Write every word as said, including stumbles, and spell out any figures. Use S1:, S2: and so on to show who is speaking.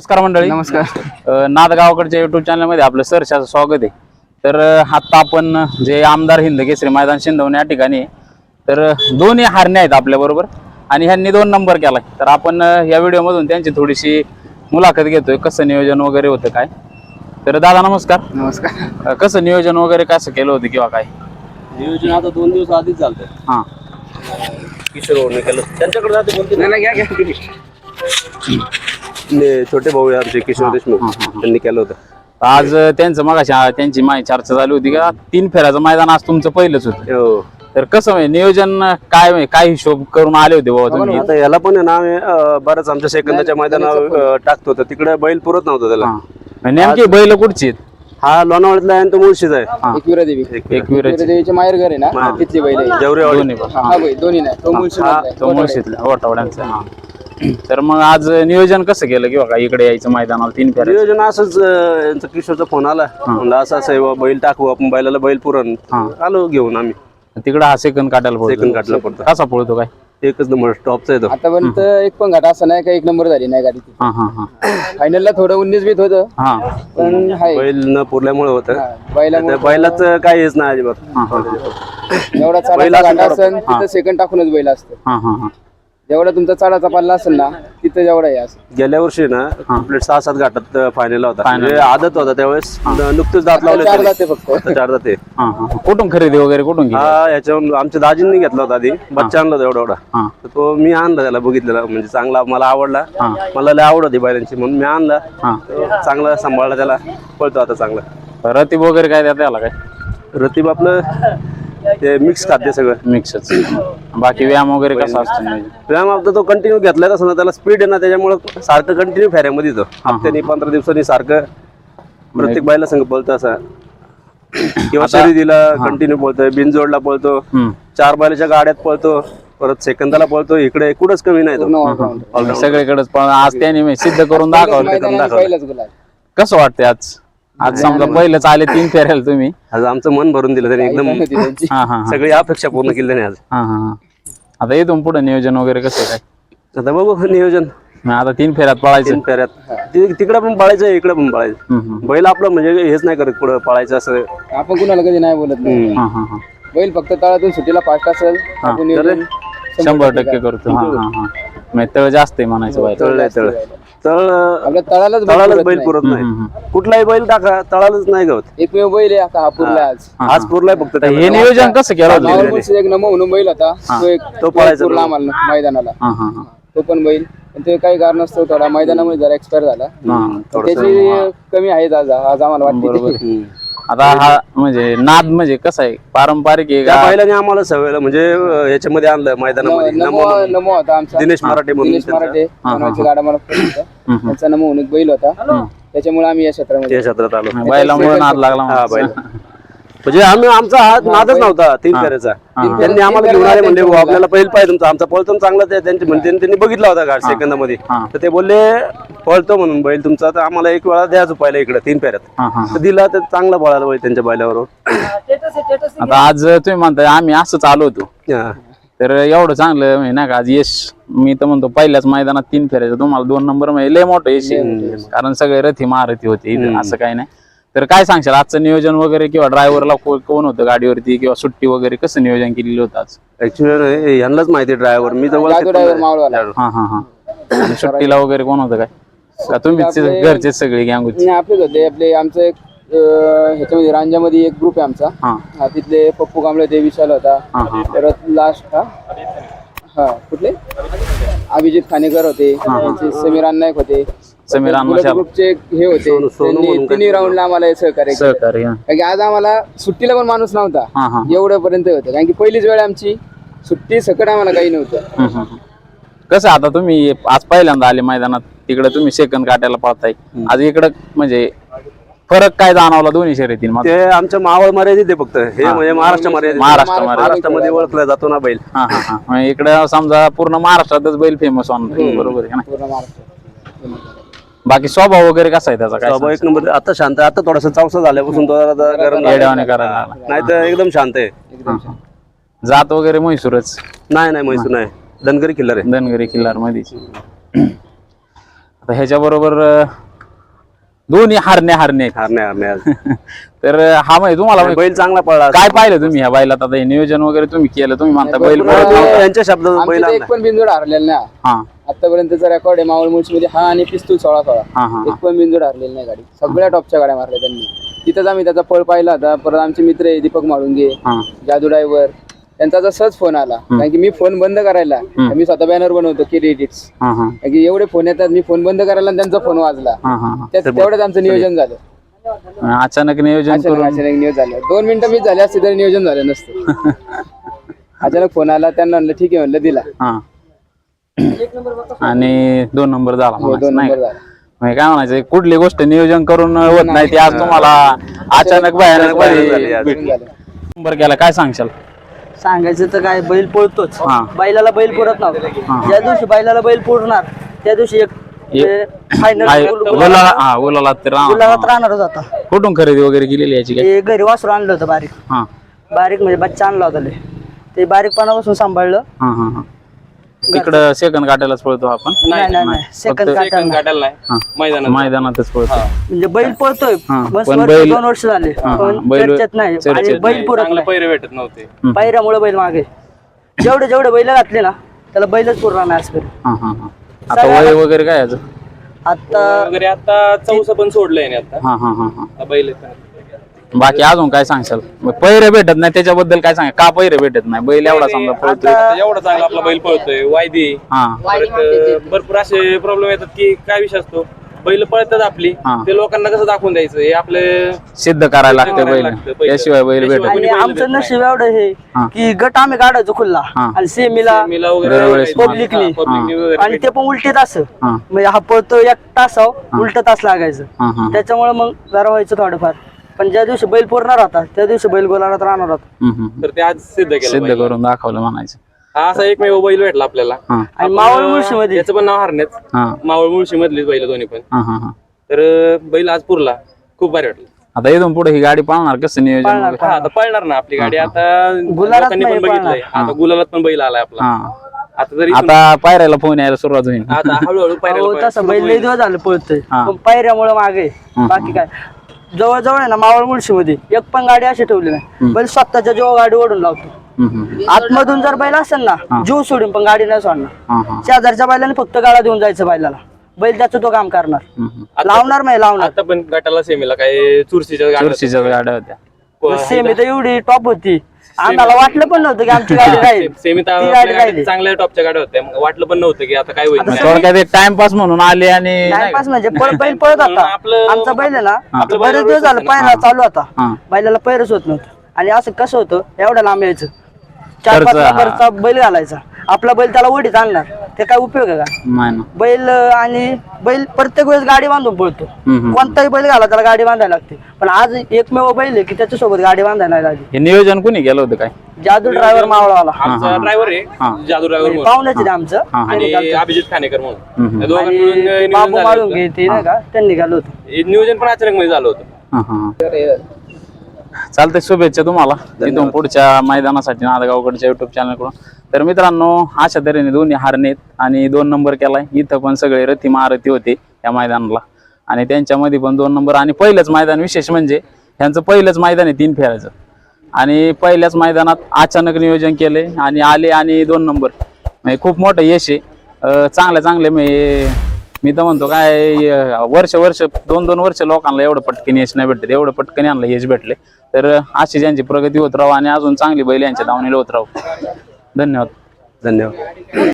S1: नमस्कार मंडळी.
S2: नमस्कार.
S1: नादगावकडच्या युट्यूब चॅनल मध्ये आपलं सहर्षाचं स्वागत आहे. तर आता आपण जे आमदार हिंद केसरी मैदान शिंदवणे या ठिकाणी आहे. तर दोन्ही हारणे आहेत आपल्या बरोबर आणि ह्यांनी दोन नंबर केलाय. तर आपण या व्हिडिओ मधून त्यांची थोडीशी मुलाखत घेतोय, कसं नियोजन वगैरे होतं काय. तर दादा नमस्कार.
S2: नमस्कार.
S1: कसं नियोजन वगैरे कसं केलं होतं किंवा काय
S3: नियोजन आता दोन दिवस आधीच झालं.
S1: हा
S3: किशोर भाऊने केलं, त्यांच्याकडे जाते बोलते
S2: नाही, नाही, घ्या घ्या
S3: ने छोटे भाऊ आहे आमचे किशोर देशमुख, त्यांनी केलं होतं.
S1: आज त्यांचं मगाशी त्यांची माहिती चर्चा झाली होती का तीन फेऱ्याचं मैदान आज तुमचं पहिलंच होतं.
S3: हो.
S1: तर कसं म्हणजे नियोजन काय म्हणजे काय हिशोब करून आले होते बाबा तुम्ही.
S3: आता याला पण आहे ना, आम्ही अं, बरंच आमच्या सेकंदाच्या मैदानावर अं, टाकतो तर तिकडे बैल पुरत नव्हतं त्याला.
S1: हा. नेमकी बैल कुठची आहेत?
S3: हा लोणावळ्यातला आहे आणि तो मुळशीचा आहे.
S2: एकविरा देवी.
S1: एकविराची.
S2: एकविरा देवीचे माहेर घर आहे ना, तिथली बैल आहे.
S3: जेवढे
S1: दोन्ही पण.
S2: हा बैल दोन्ही नाही, तो मुळशी
S1: हा,
S2: मधला आहे.
S1: तो मुळशीतला वटावड्यांचा. हा. तर मग आज नियोजन कसं केलं किंवा काय इकडे यायचं मैदानाला तीन फेऱ्या?
S3: नियोजन असंच अं, यांचा किशोरचा फोन आला, म्हणलं असं असं आहे बुवा, बैल टाकू आपण, बैलाला बैल पुरण. आलो घेऊन आम्ही.
S1: तिकडे हा सेकंद काढायला पडतो.
S3: सेकंद काढला पडतो.
S1: कसा पळतो काय?
S3: एकच नंबर टॉपचा येतो.
S2: आतापर्यंत एक पण घाटा असं नाही का एक नंबर झाली नाही गाडी.
S1: हा हा हा
S2: फायनलला थोडं उन्नीस बीत होतं,
S1: हा
S2: पण हाय
S3: बैल न पुरल्यामुळे होतं.
S2: बैला
S3: त्या बैलाचं काही हेच नाही अजिबात.
S1: हा हा
S2: जेवढा चालाचा घाटा असेल तिथं सेकंड टाकूनच बैल असतं.
S1: हा हा हा
S2: जेवढा तुमचा चालाचा पल्ला असेल ना तिथं जेवढा हे असं.
S3: गेल्या वर्षी ना कंप्लीट सहा सात घाटात फायनल होता, म्हणजे आदत होता त्यावेळेस. नुकतेच दात लावले
S2: चार
S3: त्यांनी.
S2: जाते फक्त.
S3: आता चार जाते.
S1: हा हा कुठून खरेदी वगैरे कुठून केली?
S3: हा याच्यावरून आमच्या दाजींनी घेतला होता आधी, बच्चा आणला होता एवढा एवढा.
S1: हा
S3: तर तो मी आणला, त्याला बघितलेला म्हणजे चांगला मला आवडला. मला लय आवड होती बैलांची म्हणून मी आणला.
S1: हा
S3: तो चांगला सांभाळला, त्याला पळतो आता चांगला.
S1: रतीब वगैरे काय त्यात आला काय?
S3: रतीब आपलं ते मिक्स खाद्य सगळं
S1: मिक्सच. बाकी व्यायाम वगैरे कसा असतो नियोजन?
S3: व्यायाम आपला तो कंटिन्यू घेतलाय तसं ना, त्याला स्पीड आहे ना, त्याच्यामुळे सारखं कंटिन्यू फेऱ्यामध्ये येतो. हप्त्यानी पंधरा दिवसांनी सारखं प्रत्येक बायला संघ पळतो असा. किंवा शर्यतीला कंटिन्यू पळतोय, बिनजोडला पळतो,
S1: हम्म.
S3: चार बैलाच्या गाड्यात पळतो, परत सेकंदाला पळतो. इकडे कुठंच कमी नाही तो.
S1: सगळीकडेच पण आज त्याने सिद्ध करून दाखवलं.
S2: मैदानात पहिलाच गुलाल.
S1: कसं वाटतंय आज? आज समजा पहिलंच आले तीन फेऱ्याला तुम्ही.
S3: आज आमचं मन भरून दिलं त्याने एकदम.
S2: होती त्यांची.
S1: हा हा
S3: सगळी अपेक्षा पूर्ण केली त्याने आज.
S1: हा हा हा आता इथून पुढे नियोजन वगैरे कसं काय?
S3: आता बघू नियोजन.
S1: मग आता तीन फेऱ्यात पळायचं.
S3: तीन फेऱ्यात ति- तिकडे पण पळायचं, इकडे पण पळायचं.
S1: हम्म, हम्म.
S3: बैल आपलं म्हणजे हेच नाही करत पुढं पळायचं असं.
S2: आपण कुणाला कधी नाही बोलत नाही.
S1: हा हा हा
S2: बैल फक्त तळातून सुट्टीला फास्ट असेल आपण नियोजन
S1: शंभर टक्के करतो. हा हा हा म्हणजे तळ जास्त आहे म्हणायचं बाहेर.
S3: तळलंय तळ तळ
S2: आपल्या तळालाच बैल
S3: तळालाच
S2: पुरत
S3: बैल
S2: नाही.
S3: पुरत नाही.
S1: हम्म,
S3: कुठलाही बैल टाका तळालाच नाही गवत.
S2: एकमेव बैल आहे आता हा पुरला आज.
S3: आज पुरलाय फक्त
S1: तर हे नियोजन कसं केलं होतं?
S2: मावळ मुळशीचा एक नमो म्हणून बैल होता, तो एक
S3: तो पळायचा
S2: पुरला आम्हाला मैदानाला.
S1: हा हा हा
S2: तो पण बैल, पण ते काही कारणास्तव थोडा मैदानामुळे जरा एक्सपायर झाला.
S1: हा
S2: त्याची कमी आहे आज आज आम्हाला वाटते.
S1: बरोबर. आता हा म्हणजे नाद म्हणजे कसं आहे, पारंपरिक आहे
S3: त्या
S1: का?
S3: बैलाने आम्हाला सवय म्हणजे अं, याच्यामध्ये आणलं मैदानामध्ये.
S2: नमो नमो होता आमचा
S3: दिनेश मराठे म्हणून
S2: दिनेश मराठे कोणाची गाडा मला फोन होता.
S1: हम्म.
S2: त्यांचा नमो म्हणून एक बैल होता, त्याच्यामुळे आम्ही या क्षेत्रामध्ये.
S3: त्या क्षेत्रात आलो.
S1: बैलामुळे नाद लागला
S3: हा
S1: म्हणायचं.
S3: बैल म्हणजे आम्ही आमचा हात नादच नव्हता तीन फेऱ्याचा. त्यांनी आम्हाला घेऊन आले, म्हणले "भाऊ, आपल्याला बैल पाहिजे तुमचा, आमचा पळतो चांगला." ते त्यांची म्हणजे त्यांनी बघितला होता घाट सेकंदामध्ये.
S1: हा.
S3: तर ते बोलले पळतो म्हणून बैल तुमचा, तर आम्हाला एक वेळा द्यायचं पहिला इकडे तीन फेऱ्यात.
S1: हा हा
S3: तर दिला, तर चांगला पळाला बैल त्यांच्या बैलावर.
S1: आता आज तुम्ही म्हणताय आम्ही असंच आलो होतो,
S3: हा.
S1: तर एवढं चांगलं म्हणजे नाही का आज यश. मी तर म्हणतो पहिल्याच मैदानात तीन फेऱ्याचं तुम्हाला दोन नंबर म्हणजे लय मोठं यश आहे. कारण सगळे रथी महारथी होते इथं, असं काही नाही. तर काय सांगशाल आजचं नियोजन वगैरे, किंवा ड्रायव्हरला कोण होतं गाडीवरती, किंवा सुट्टी वगैरे कसं नियोजन केलेलं होतं आज?
S3: ऍक्च्युअली यांनाच माहिती ड्रायव्हर, मी तर
S2: जादू ड्रायव्हर मावळवाला.
S1: हा हा हा आणि सुट्टीला वगैरे कोण होतं काय? का तुम्हीच घरचे सगळे गँगूच?
S2: नाही, आपलेच होते. आपले आमचं एक अं, ह्याच्यामध्ये रांजामध्ये एक ग्रुप आहे आमचा.
S1: हा
S2: हा, तिथले पप्पू कांबळे ते विशाल होता.
S1: हा हा
S2: परत लास्ट हा हा कुठले अभिजित खानेकर होते, त्यांचे समीर नाईक होते,
S1: समीर
S2: बुलेट
S1: अण्णा
S2: ग्रुपचे एक हे होते. त्यांनी तिन्ही राऊंडला आम्हाला हे सहकार्य केलं.
S1: सहकारी. हा
S2: कारण की आज आम्हाला सुट्टीला पण माणूस नव्हता
S1: हा हा
S2: एवढ्या पर्यंत होतं. कारण की पहिलीच वेळ आमची सुट्टी सकट आम्हाला काही नव्हतं.
S1: हम्म, हम्म, हम्म. कसं आता तुम्ही आज पहिल्यांदा आले मैदानात, तिकडे तुम्ही सेकंद काटायला पाहताय, आज इकडं म्हणजे फरक काय जाणवला दोन्ही शर्यतींमध्ये?
S3: ते आमच्या मावळ मर्यादित आहे फक्त, हे म्हणजे महाराष्ट्र मर्यादित.
S1: महाराष्ट्र मर्यादित.
S3: महाराष्ट्रामध्ये ओळखला जातो ना बैल.
S1: हा हा हा म्हणजे इकडे समजा पूर्ण महाराष्ट्रातच बैल फेमस होणार. बरोबर आहे का नाही?
S2: पूर्ण महाराष्ट्र.
S1: बाकी स्वभाव वगैरे कसा आहे त्याचा? काय
S3: स्वभाव एक नंबर. आता शांत आहे, आता थोडासा चौसा झाल्यापासून तो जरा गरम
S1: येड्यावाने करायला लागला.
S3: नाही तर एकदम शांत आहे.
S2: एकदम छान.
S1: जात वगैरे म्हैसूरच?
S3: नाही नाही म्हैसूर नाही, धनगरी किल्लर आहे.
S1: धनगरी किल्लार मध्येच. आता ह्याच्याबरोबर अं, दोन्ही हारणे हारणे आहेत.
S3: हारणे हारणे आज.
S1: तर अं, हा म्हणजे तुम्हाला
S3: बैल चांगला पळला
S1: काय पाहिलं तुम्ही ह्या बैलात? आता हे नियोजन वगैरे तुम्ही केलं, तुम्ही म्हणता बैल
S2: भरपूर
S1: पळत नव्हता.
S3: यांच्या शब्दात
S2: आमच्या
S3: बैल
S2: इथे
S3: आणला.
S2: एक पण बिंदूड हरलेला नाही
S1: हा
S2: आतापर्यंतचा रेकॉर्ड आहे मावळ मुळशीमध्ये हा आणि पिस्तूल सोळा सोळा
S1: हा हा
S2: एक पण बिंदूड हरलेली नाही गाडी. सगळ्या टॉपच्या गाड्या मारल्या त्यांनी. तिथंच आम्ही त्याचा पळ पाहिला होता. परत आमचे मित्र आहे दीपक माळुंगे,
S1: हा
S2: जादू ड्रायव्हर, त्यांचा आता सहज फोन आला कारण की मी फोन बंद करायला मी स्वतः बॅनर बनवतो की एडिट्स,
S1: हा हा
S2: कारण की एवढे फोन येतात, मी फोन बंद करायला आणि त्यांचा फोन वाजला.
S1: हा हा हा.
S2: त्यात तेवढंच आमचं नियोजन झालं.
S1: अचानक नियोजन
S2: अचानक
S1: करून
S2: अचानक नियोजन झालं. दोन मिनिटं मी झाले असते तरी नियोजन झालं नसतं. अचानक फोन आला, त्यांना म्हणलं ठीक आहे, म्हणलं दिला.
S1: हा आणि दोन नंबर झाला
S2: हो,
S1: म्हणायचं,
S2: दोन
S1: नाही
S2: नंबर
S1: का?
S2: झाला.
S1: म्हणजे काय म्हणायचं, कुठली गोष्ट नियोजन करून होत नाही ती आज तुम्हाला अचानक भयानक
S3: झाली
S1: मध्ये
S3: आज.
S1: भेटली. नंबर केला, काय सांगशाल?
S4: सांगायचं तर काय, बैल पळतोच.
S1: हा.
S4: बैलाला बैल पुरत नव्हता. ज्या दिवशी बैलाला बैल पुरणार त्या दिवशी एक
S1: काय
S4: फायनल
S1: बोला, हा बोलाला तर हा,
S4: गुलाबात राहणारच होता.
S1: हा. कुठून खरेदी वगैरे केलेली याची काय?
S4: ते घरी वासरू आणलं होतं बारीक
S1: हा
S4: बारीक म्हणजे बच्चा आणला होता लय. ते बारीकपणापासून सांभाळलं.
S1: हा हा हा. इकडं सेकंद काटायलाच पळतो आपण,
S4: नाही नाही नाही सेकंद काढायला
S1: हा. मैदानातच पळतो.
S4: म्हणजे बैल पळतोय
S1: हा.
S4: बस
S1: पण
S4: वर्ष
S1: बैल-
S4: दोन वर्ष झाले
S1: हा,
S4: पण
S1: बैल-
S4: चर्चेत नाही.
S1: चर्चेत
S4: आणि बैल
S1: नाही.
S4: पुरत नाही.
S5: पैरे भेटत नव्हते.
S4: पायऱ्यामुळे बैल मागे जेवढे जेवढे बैल घातले ना त्याला बैलच पुरणार नाही आजपर्यंत.
S1: हा हा हा. आता वय वगैरे काय याचं?
S4: आता
S5: वगैरे आता चौसा पण सोडलंय ना आता
S1: हा हा हा हा.
S5: आता बैल आहेत.
S1: बाकी अजून काय सांगशाल? मग पैरे भेटत नाही त्याच्याबद्दल काय सांगा, का पैरे भेटत नाही? बैल एवढा समजा पळतोय.
S5: आता एवढा चांगला आपला बैल पळतोय वायदी.
S1: हा
S5: परत भरपूर असे प्रॉब्लेम येतात की काय विषय असतो, बैल पळतात आपली,
S1: हा.
S5: ते लोकांना कसं दाखवून द्यायचं हे आपले
S1: सिद्ध करायला लागते
S5: करायला
S1: बैल,
S5: लागतं पहिलं.
S1: त्याशिवाय बैल भेटत
S5: त्याशिवाय
S1: नाही.
S4: आणि आमचं नशीब एवढं हे
S1: हा.
S4: की गट आम्ही काढायचो खुल्ला
S1: हा.
S4: आणि सेमीला
S5: मिला वगैरे
S1: दरवेळेस
S4: पब्लिकली.
S5: हा, पब्लिकली वगैरे
S4: आणि ते पण उलटे तास
S1: हा
S4: म्हणजे हा पळतो एक तासाव उलट तास लागायचं.
S1: हा हा.
S4: त्याच्यामुळे मग जरा व्हायचं थोडंफार. पण ज्या दिवशी बैल पुरणार होता त्या दिवशी बैल गोलात राहणार होता.
S1: हम्म, हम्म.
S5: तर ते आज सिद्ध केलं
S1: सिद्ध
S5: बैलानं.
S1: करून दाखवलं म्हणायचं.
S5: हा असा एकमेव बैल भेटला आपल्याला.
S1: हा
S4: आणि मावळ मुळशीमध्ये
S5: याचं पण नाव हरण्यात,
S1: हा
S5: मावळ मुळशी मधलीच बैल दोन्ही पण.
S1: हा हा हा.
S5: तर बैल आज पुरला, खूप भारी वाटलं.
S1: आता इथून पुढे ही गाडी पाळणार कसं नियोजन
S4: पाळणार.
S1: वगैरे?
S5: हा आता पळणार ना आपली गाडी. आता
S4: गुलालात
S5: लोकांनी
S4: नाही
S5: पण बघितलंय,
S4: पळणार.
S5: आता गुलालात पण बैल आलाय आपला.
S1: हा
S5: आता जरी
S1: आता पायऱ्याला फोन यायला सुरुवात होईल.
S5: आता हळूहळू
S4: हो
S5: पायऱ्याला
S4: तसं बैल लई दिवस झालं पळतोय
S1: हा.
S4: पण पायऱ्यामुळे मागे
S1: हा.
S4: बाकी काय. जवळजवळ आहे ना मावळ मुळशीमध्ये एक पण गाडी अशी ठेवली नाही. बैल स्वतःच्या जेव्हा गाडी ओढून लावतो.
S1: हम्म, हम्म.
S4: आतमधून जर बैल असेल ना जीव सोडून पण गाडी नाही सोडणार.
S1: हा हा.
S4: शेजारच्या बैलाने फक्त गाडा देऊन जायचं बैलाला. बैल त्याचं तो काम करणार.
S1: हम्म, हम्म.
S4: लावणार नाही लावणार.
S5: आता पण गटाला सेमीला काय चुरशीच्या गाड्या
S1: चुरशीच्या गाड्या होत्या.
S4: सेमी तर एवढी टॉप होती आम्हाला वाटलं पण नव्हतं की आमची गाडी राहील.
S5: सेमीत
S4: ती गाडी
S5: आपल्या
S4: राहिली.
S5: गाडीत चांगल्या टॉपच्या गाड्या होत्या, मग वाटलं पण नव्हतं की आता काय होईल.
S4: आता
S1: थोडक्यात एक टाइमपास म्हणून आले आणि नाही का?
S4: टाइमपास म्हणजे पळ- बैल पळत होता.
S5: आपलं-
S4: आमचा बैल आहे ना
S5: आपलं
S4: बरेच
S5: बैल
S4: दिवस झालं
S5: होतं
S4: पायरा चालू होता.
S1: हा.
S4: बैलाला पैरच होत नव्हतं. आणि असं कसं होतं एवढं लांब यायचं चार पाच
S1: खर्च, हा.
S4: नंबरचा बैल घालायचा. आपला बैल त्याला ओढीत आणणार ते काय उपयोग आहे का?
S1: नाही ना.
S4: बैल आणि बैल प्रत्येक वेळेस गाडी बांधून पळतो.
S1: हम्म, हम्म.
S4: कोणताही बैल घाला त्याला गाडी बांधायला लागते. पण आज एकमेव बैल आहे की त्याच्यासोबत गाडी बांधायला नाही लागली.
S1: हे नियोजन कुणी केलं होतं काय?
S4: जादू ड्रायव्हर मावळावाला
S5: आमचा ड्रायव्हर
S1: हा.
S5: आहे जादू ड्रायव्हर
S4: पाहुण्याचे आहे आमचं
S1: हा.
S4: त्यांनी
S5: आणि
S4: घालतो.
S5: अभिजित खानेकर म्हणून.
S1: हम्म.
S5: या दोघांनी मिळून
S4: आणि
S5: नियोजन
S4: बाबू
S5: झालं
S4: माळून
S5: होतं.
S4: घेते नाही का त्यांनी घालू होतं.
S5: हे नियोजन पण अचानक मध्ये झालं होतं.
S1: हा हा. चालतंय, शुभेच्छा तुम्हाला इथून पुढच्या मैदानासाठी नांदगावकडच्या युट्यूब चॅनल कडून. तर मित्रांनो, अशा तऱ्हेने दोन्ही हारनेत आणि दोन नंबर केलाय. इथं पण सगळे रथी महारथी होते या मैदानाला आणि त्यांच्यामध्ये पण दोन नंबर. आणि पहिलंच मैदान विशेष म्हणजे ह्यांचं पहिलंच मैदान आहे तीन फेऱ्याचं आणि पहिल्याच मैदानात अचानक नियोजन केले आणि आले आणि दोन नंबर. म्हणजे खूप मोठं यश आहे. अं, चांगले चांगले म्हणजे मी तर म्हणतो काय अं, वर्ष वर्ष दोन दोन वर्ष लोकांना एवढं पटकन यश नाही भेटत, एवढं पटकन यांना यश भेटले. तर अशी ज्यांची प्रगती होत राहू आणि अजून चांगली बैल यांच्या धावणीला होत राहू. धन्यवाद.
S3: धन्यवाद.